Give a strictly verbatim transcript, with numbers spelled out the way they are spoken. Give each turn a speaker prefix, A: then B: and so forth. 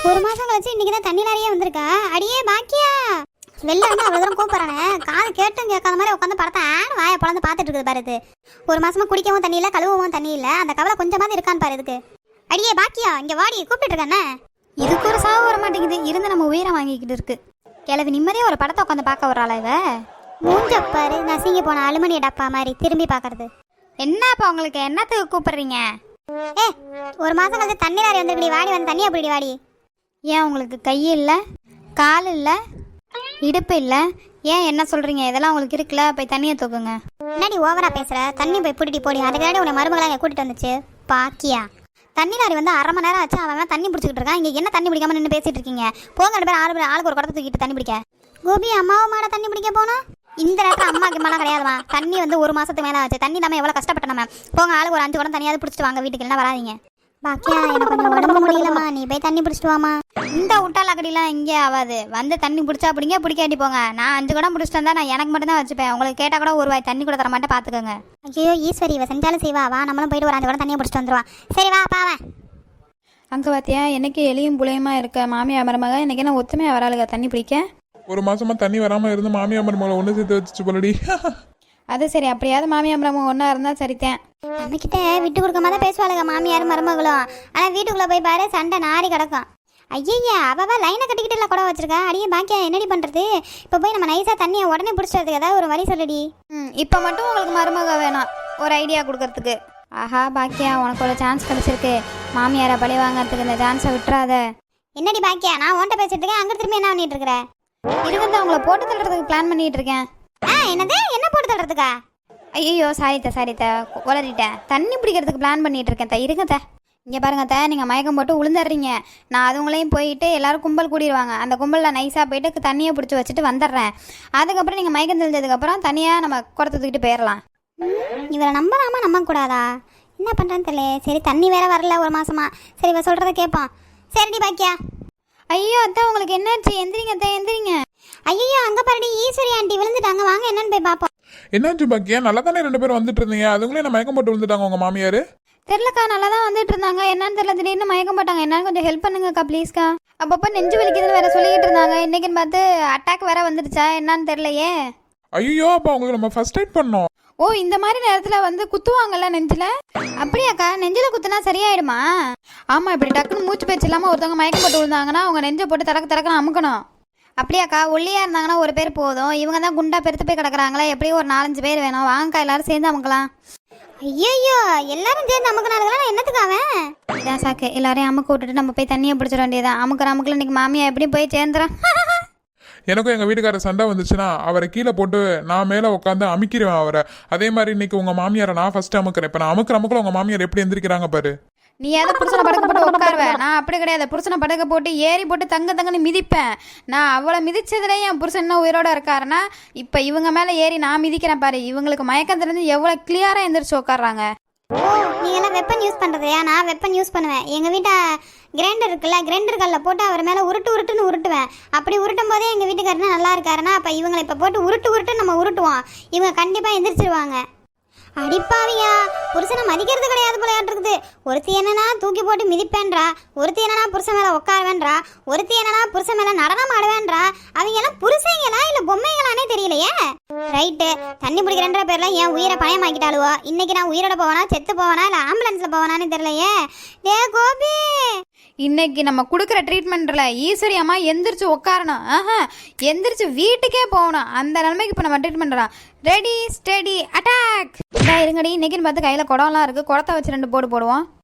A: ஒரு மாசம் கழிச்சு இன்னைக்கு தான் தண்ணி நிறைய வந்திருக்கா. அடியே பாக்கியா, வெளில வந்து அவ்வளோ தூரம் கூப்பிட்றானே, காது கேட்டும் கேட்காத மாதிரி உட்காந்து படத்தை ஆன் வாயை பழந்து பார்த்துட்டு இருக்குது பாரு. இது ஒரு மாசமா குடிக்கவும் தண்ணி இல்லை, கழுவவும் தண்ணி இல்லை, அந்த கவலை கொஞ்சமாவது இருக்கான்னு பாரு இதுக்கு. அடியே பாக்கியா, இங்கே வாடி, கூப்பிட்டு இருக்கானே. இதுக்கு ஒரு சாவு வர மாட்டேங்குது, இருந்து நம்ம உயிரை வாங்கிக்கிட்டு இருக்கு. கிளவி நிம்மதியாக ஒரு படத்தை உட்காந்து பார்க்க வர்றாளா இவ? மூஞ்சப்பாரு நசிங்கி போன அலுமினிய டப்பா மாதிரி திரும்பி பார்க்கறது. என்னப்பா உங்களுக்கு என்னத்துக்கு கூப்பிடுறீங்க? ஏ, ஒரு மாசம் கழிச்சு தண்ணி நிறைய வந்துருக்கடி, வாடி வந்து தண்ணி அப்படி வாடி. ஏன் உங்களுக்கு கை இல்லை, கால் இல்லை, இடுப்பு இல்லை? ஏன் என்ன சொல்கிறீங்க? இதெல்லாம் உங்களுக்கு இருக்குல்ல, போய் தண்ணியை தூக்குங்க. முன்னாடி ஓவரா பேசுகிற, தண்ணி போய் பிடிட்டி போடி. அதுக்காண்டி உன்னை மருமகளாக கூட்டிகிட்டு வந்துச்சு பாக்கியா. தண்ணி லாரி வந்து அரை மணி நேரம் ஆச்சு, அவன் தண்ணி பிடிச்சிக்கிட்டு இருக்கான். இங்கே என்ன தண்ணி பிடிக்காம நின்று பேசிட்டு இருக்கீங்க? போங்க ரெண்டு பேர், ஆளு பேர் ஆளுக்கு ஒரு குடத்தை தூக்கிட்டு தண்ணி பிடிக்க. கோபி அம்மாவும் மாட தண்ணி பிடிக்க போனோம். இந்த நேரத்தில் அம்மாக்கு மேலாம் கிடையாதுமா. தண்ணி வந்து ஒரு மாதத்துக்கு மேலே ஆச்சு. தண்ணி நம்ம எவ்வளோ கஷ்டப்பட்ட நம்ம. போங்க ஆளுக்கு ஒரு அஞ்சு குடம் தண்ணியாவது பிடிச்சிட்டு வாங்க வீட்டுக்கு, இல்லைன்னா வராதிங்க. பாக்கியா, எனக்கு கொஞ்சம் உடம்பு முடியலம்மா, நீ போய் தண்ணி பிடிச்சிட்டு வாமா. இந்த விட்டால் அக்கடிலாம் இங்கே ஆகாது. வந்து தண்ணி பிடிச்சா பிடிங்க, பிடிக்காட்டி போங்க. நான் அஞ்சு குடம் பிடிச்சிட்டு வந்தா நான் எனக்கு மட்டும் தான் வச்சுப்பேன். உங்களுக்கு கேட்டால் கூட ஒரு வாய் தண்ணி கூட தர மாட்டேன், பார்த்துக்கோங்க. ஐயோ ஈஸ்வரி, இவ செஞ்சாலும் செய்வா. வா, நம்மளும் போயிட்டு ஒரு அஞ்சு குடம் தண்ணியை பிடிச்சிட்டு வந்துடுவா. சரி வா பாவேன்.
B: அங்கே பார்த்தியா, என்னைக்கு எலியும் புளையுமா இருக்க மாமியா மருமக, இன்னைக்கு என்ன ஒத்துமையாக வராளுங்க தண்ணி பிடிக்க.
C: ஒரு மாசமா தண்ணி வராமல் இருந்து மாமியா மருமகளை ஒன்று சேர்த்து வச்சுச்சு போலடி.
B: அது சரி, அப்படியாவது மாமியா மருமக ஒன்றா இருந்தால் சரித்தேன்.
A: நம்மக்கிட்ட விட்டு கொடுக்காம தான் பேசுவாளுங்க மாமியார் மருமகளும். ஆனால் வீட்டுக்குள்ளே போய் பாரு, சண்டை நாரி கிடக்கும். ஐயா, அவ லைனை கட்டிக்கிட்டு இல்லை கூட வச்சிருக்கா. அடியே பாக்கியா, என்னடி பண்ணுறது? இப்போ போய் நம்ம நைஸாக தண்ணியை உடனே பிடிச்சிட்டு ஏதாவது ஒரு வழி சொல்லடி.
B: ம் இப்போ மட்டும் உங்களுக்கு மருமக வேணும் ஒரு ஐடியா கொடுக்கறதுக்கு. ஆஹா பாக்கியா, உனக்கு ஒரு சான்ஸ் கிடச்சிருக்கு. மாமியாரை பழி வாங்கிறதுக்கு இந்த சான்ஸை விட்டுறாத.
A: என்னடி பாக்கியா, நான் ஓன்ட்ட பேசிட்டு இருக்கேன், அங்கே திரும்பி என்ன பண்ணிட்டு இருக்கிற?
B: இருக்கிறத உங்களை போட்டு தள்ளுறதுக்கு பிளான் பண்ணிட்டு இருக்கேன்.
A: ஆ, என்னது? என்ன போட்டு தள்ளுறதுக்கா?
B: ஐயோ சாரித்த சாரித்த உளறிட்டேன். தண்ணி பிடிக்கிறதுக்கு பிளான் பண்ணிட்டு இருக்கேன். த இருங்கத்த, இங்கே பாருங்க த, நீங்கள் மயக்கம் போட்டு விழுந்துடுறீங்க. நான் அதுங்களையும் போயிட்டு எல்லாரும் கும்பல் கூடிடுவாங்க. அந்த கும்பலில் நைஸாக போயிட்டு தண்ணியை பிடிச்சி வச்சுட்டு வந்துடுறேன். அதுக்கப்புறம் நீங்கள் மயக்கம் தெளிஞ்சதுக்கப்புறம் தனியாக நம்ம குடத்தை தூக்கிட்டு போயிடலாம்.
A: இவரை நம்பலாமா நம்ப கூடாதா? என்ன பண்ணுறேன்னு தெரியல. சரி, தண்ணி வேற வரல ஒரு மாசமா. சரி, இவ சொல்கிறத கேட்போம். சரிடி பாக்கியா.
B: ஐயோ அத்தா, உங்களுக்கு என்னாச்சு? எந்திரிங்க அத்தா, எந்திரிங்க.
A: ஐயோ, அங்கே பாருடி ஈஸ்வரி ஆண்டி விழுந்துட்டாங்க. வாங்க என்னன்னு போய் பார்ப்போம்.
C: என்னாச்சு பாக்கியா? நல்லா தானே ரெண்டு பேரும் வந்துட்டு இருந்தீங்க, அதுங்களே என்ன மயக்கம் போட்டு விழுந்துட்டாங்க உங்க மாமியார்?
B: தெரியலக்கா, நல்லா தான் வந்துட்டு இருந்தாங்க. என்னன்னு தெரியல, திடீர்னு மயக்கம் போட்டாங்க. என்னன்னு கொஞ்சம் ஹெல்ப் பண்ணுங்கக்கா ப்ளீஸ்க்கா. அப்பப்போ நெஞ்சு வலிக்குதுன்னு வேற சொல்லிக்கிட்டு இருந்தாங்க. இன்னைக்குன்னு பார்த்து அட்டாக் வேற வந்துடுச்சா என்னன்னு தெரியலையே.
C: ஐயோ, அப்போ அவங்களுக்கு நம்ம ஃபர்ஸ்ட் எய்ட் பண்ணோம்.
B: ஓ, இந்த மாதிரி நேரத்தில் வந்து குத்துவாங்கல்ல நெஞ்சில்? அப்படியாக்கா, நெஞ்சில் குத்துனா சரியாயிடுமா? ஆமாம், இப்படி டக்குன்னு மூச்சு பேச்சு இல்லாமல் ஒருத்தவங்க மயக்கம் போட்டு விழுந்தாங்கன்னா அவங்க நெஞ்சை போட்டு தடக்கு தடக்குன்னு அமுக்கணும். அப்படியாக்கா, ஒல்லியாக இருந்தாங்கன்னா ஒரு பேர் போதும். இவங்க தான் குண்டா பெருத்து போய் கிடக்குறாங்களே, எப்படியும் ஒரு நாலஞ்சு பேர் வேணும். வாங்கக்கா, எல்லாரும் சேர்ந்து அமுக்கலாம்.
A: ஐயோ, எல்லாரும் சேர்ந்து அமுக்கினாருங்களா? என்னத்துக்கு அவன்?
B: இதான் சாக்கு, எல்லாரையும் அமுக்க விட்டுட்டு நம்ம போய் தண்ணியை பிடிச்சிட வேண்டியதான். அமுக்கிற அமுக்கில் இன்னைக்கு மாமியா எப்படியும் போய் சேர்ந்துறான்.
C: எனக்கும் எங்கள் வீட்டுக்காரர் சண்டை வந்துச்சுன்னா அவரை கீழே போட்டு நான் மேலே உட்காந்து அமுக்கிடுவேன் அவரை. அதே மாதிரி இன்னைக்கு உங்கள் மாமியாரை நான் ஃபர்ஸ்ட் அமுக்கிறேன். இப்போ நான் அமுக்கிற அமுக்கில் உங்கள் மாமியார் எப்படி எந்திரிக்கிறாங்க பாரு.
B: நீ ஏதோ புருஷனை படுக்க போட்டு உட்காருவேன், நான் அப்படி கிடையாது. புருஷனை படுக்க போட்டு ஏறி போட்டு தங்க தங்கன்னு மிதிப்பேன். நான் அவளை மிதிச்சதுல என் புருஷன் இன்னும் உயிரோட இருக்காருன்னா இப்போ இவங்க மேலே ஏறி நான் மிதிக்கிறேன் பாரு. இவங்களுக்கு மயக்கம் தெரிஞ்சு எவ்வளோ கிளியராக எந்திரிச்சு உட்காடுறாங்க.
A: ஓ, நீங்க எல்லாம் வெப்பன் யூஸ் பண்றதையா? நான் வெப்பன் யூஸ் பண்ணுவேன். எங்க வீட்டை கிரைண்டர் இருக்குல்ல, கிரைண்டர் கல்ல போட்டு அவர் மேல உருட்டு உருட்டுன்னு உருட்டுவேன். அப்படி உருட்டும் போதே எங்க வீட்டுக்காரனா நல்லா இருக்காருன்னா அப்ப இவங்களை இப்ப போட்டு உருட்டு உருட்டு நம்ம உருட்டுவோம். இவங்க கண்டிப்பா எந்திரிச்சிருவாங்க. அடிப்பாவியா, புருஷனை மதிக்கிறது கிடையாது போலையாட்டு. ஒருத்தி என்னன்னா தூக்கி போட்டு மிதிப்பேன்றா, ஒருத்தி என்னன்னா புருஷன் மேல உட்காருவேன்றா, ஒருத்தி என்னன்னா புருஷன் மேல நடனம் ஆடுவேன்றா. அவங்க எல்லாம் புருஷங்களா இல்ல பொம்மைங்களானே தெரியலையே. ரைட்டு, தண்ணி பிடிக்கிறன்ற பேர்ல என் உயிரை பணயமாக்கிட்டாளுவோ. இன்னைக்கு நான் உயிரோட போவனா செத்து போவனா இல்ல ஆம்புலன்ஸ்ல போவனான்னு தெரியலையே. டே கோபி,
B: இன்னைக்கு நம்ம கொடுக்குற ட்ரீட்மெண்ட்ல ஈஸ்வரி அம்மா எந்திரிச்சு உட்காரணும். ஆஹா, எந்திரிச்சு வீட்டுக்கே போகணும். அந்த நிலைமைக்கு இப்போ நம்ம ட்ரீட்மெண்ட் பண்ணலாம். Ready steady attack. இருங்கடி, இன்னைக்குன்னு பார்த்து கையில் குடம்லாம் இருக்குது. குடத்தை வச்சு ரெண்டு போடு போடுவோம்.